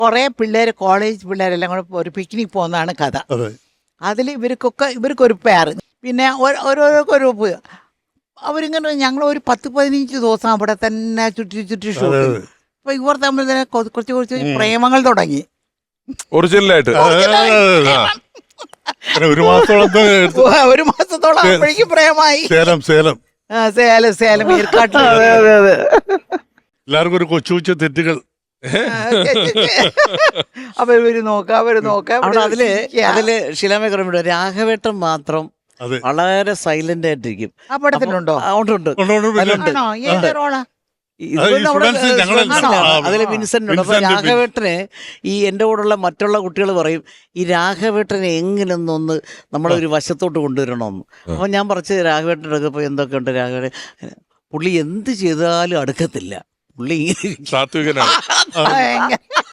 കുറേ പിള്ളേർ, കോളേജ് പിള്ളേരെല്ലാം കൂടെ ഒരു പിക്നിക് പോകുന്നതാണ് കഥ. അതിൽ ഇവർക്കൊരു പെയർ, പിന്നെ ഓരോരോ അവരിങ്ങനെ ഞങ്ങൾ ഒരു 10-15 ദിവസം അവിടെ തന്നെ ചുറ്റി ഷൂട്ട് ചെയ്തു. അപ്പൊ ഇവർ തമ്മിൽ തന്നെ കുറച്ച് പ്രേമങ്ങൾ തുടങ്ങി. ഒറിജിനലായിട്ട് ഒരു മാസത്തോളം അപ്പോഴേക്കും പ്രേമായി. സേലം ഏർക്കാട്ടിൽ എല്ലാവർക്കും ഒരു കൊച്ചു തെറ്റുകൾ. അവര് നോക്കാം. അതില് ശിലാമേഖല രാഘവേട്ടൻ മാത്രം വളരെ സൈലന്റ് ആയിട്ടിരിക്കും. ആ പടത്തിലുണ്ടോ? ഉണ്ട്. ആണോ? ഏത് റോളാ? അതില് വിൻസെന്റ് ഉണ്ട്. അപ്പൊ രാഘവേട്ടനെ എൻ്റെ കൂടെയുള്ള മറ്റുള്ള കുട്ടികൾ പറയും ഈ രാഘവേട്ടനെ എങ്ങനെയൊന്നൊന്ന് നമ്മളൊരു വശത്തോട്ട് കൊണ്ടുവരണമെന്ന്. അപ്പൊ ഞാൻ പറിച്ച് രാഘവേട്ടൻ്റെ അടുക്കപ്പോൾ എന്തൊക്കെയുണ്ട് രാഘവേട്ടൻ, പുള്ളി എന്ത് ചെയ്താലും അടുക്കത്തില്ല, പുള്ളി സാത്വികനാണ്.